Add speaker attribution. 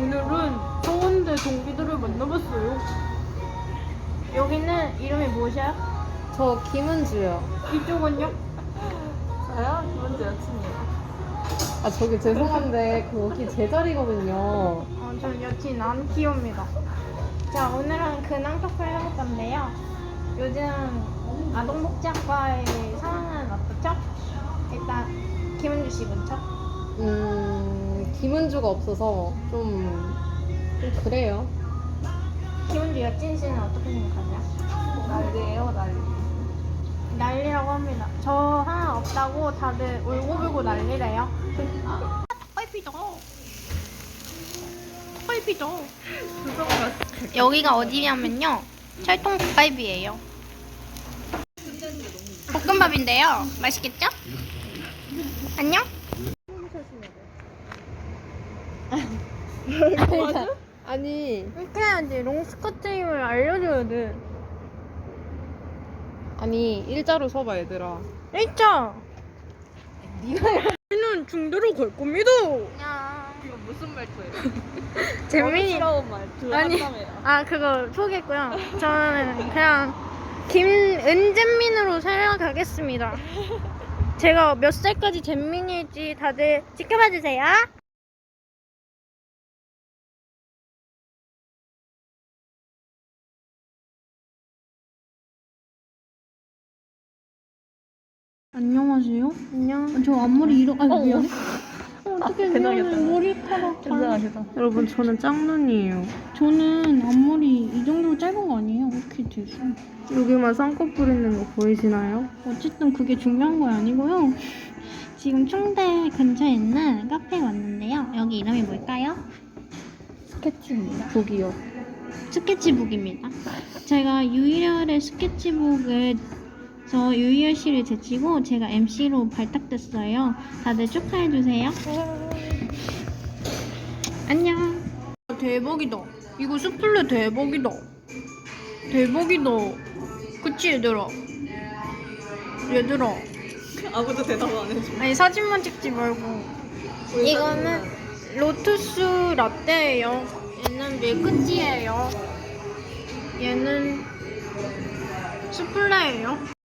Speaker 1: 오늘은 서원대 동기들을 만나봤어요. 여기는 이름이 무엇이야?
Speaker 2: 저 김은주요.
Speaker 1: 이쪽은요?
Speaker 3: 저요? 김은주 여친이에요.
Speaker 2: 아 저기 죄송한데 거기 제 자리거든요.
Speaker 1: 전 여친 안키오입니다. 자, 오늘은 근황 토크를 해볼 건데요. 요즘 아동복지학과의 상황은 어떻죠? 일단 김은주 씨 먼저.
Speaker 2: 김은주가 없어서 좀 그래요.
Speaker 1: 김은주 여친 씨는 어떻게 생각하세요?
Speaker 3: 난리예요, 난리.
Speaker 1: 난리라고 합니다. 저 하나 없다고 다들 울고불고 난리래요. 펄피죠. 펄피죠. 여기가 어디냐면요. 철통 닭갈비예요. 볶음밥인데요. 맛있겠죠? 안녕?
Speaker 2: 아니
Speaker 1: 이렇게 해야지. 롱스커트임을 알려줘야 돼.
Speaker 2: 아니 일자로 서봐 얘들아.
Speaker 1: 있죠? 우리는 중대로 갈 겁니다.
Speaker 3: 이거 무슨 말투예요?
Speaker 1: 재민이.
Speaker 3: 어리스러운 말투
Speaker 1: 아니.
Speaker 3: 한다며요.
Speaker 1: 그거 포기했고요. 저는 그냥 김은잼민으로 살아가겠습니다. 제가 몇 살까지 잼민일지 다들 지켜봐 주세요. 안녕하세요. 안녕. 저 앞머리 미안해. 어떻게
Speaker 3: 괜찮겠다.
Speaker 1: 머리카락
Speaker 3: 괜찮아.
Speaker 2: 여러분 저는 짝눈이에요.
Speaker 1: 저는 앞머리 이 정도로 짧은 거 아니에요? 이렇게 되죠.
Speaker 2: 여기만 쌍꺼풀 있는 거 보이시나요?
Speaker 1: 어쨌든 그게 중요한 거 아니고요. 지금 충대 근처에 있는 카페에 왔는데요. 여기 이름이 뭘까요?
Speaker 2: 스케치입니다. 북이요.
Speaker 1: 스케치북입니다. 제가 유일열의 스케치북을 유희열 씨를 제치고 제가 MC로 발탁됐어요. 다들 축하해주세요. 안녕. 대박이다. 이거 수플레 대박이다. 대박이다. 그치 얘들아? 얘들아.
Speaker 3: 아무도 대답 안 해줘.
Speaker 1: 아니 사진만 찍지 말고. 이거는 로투스 라떼예요. 얘는 밀크티예요. 얘는 수플레예요.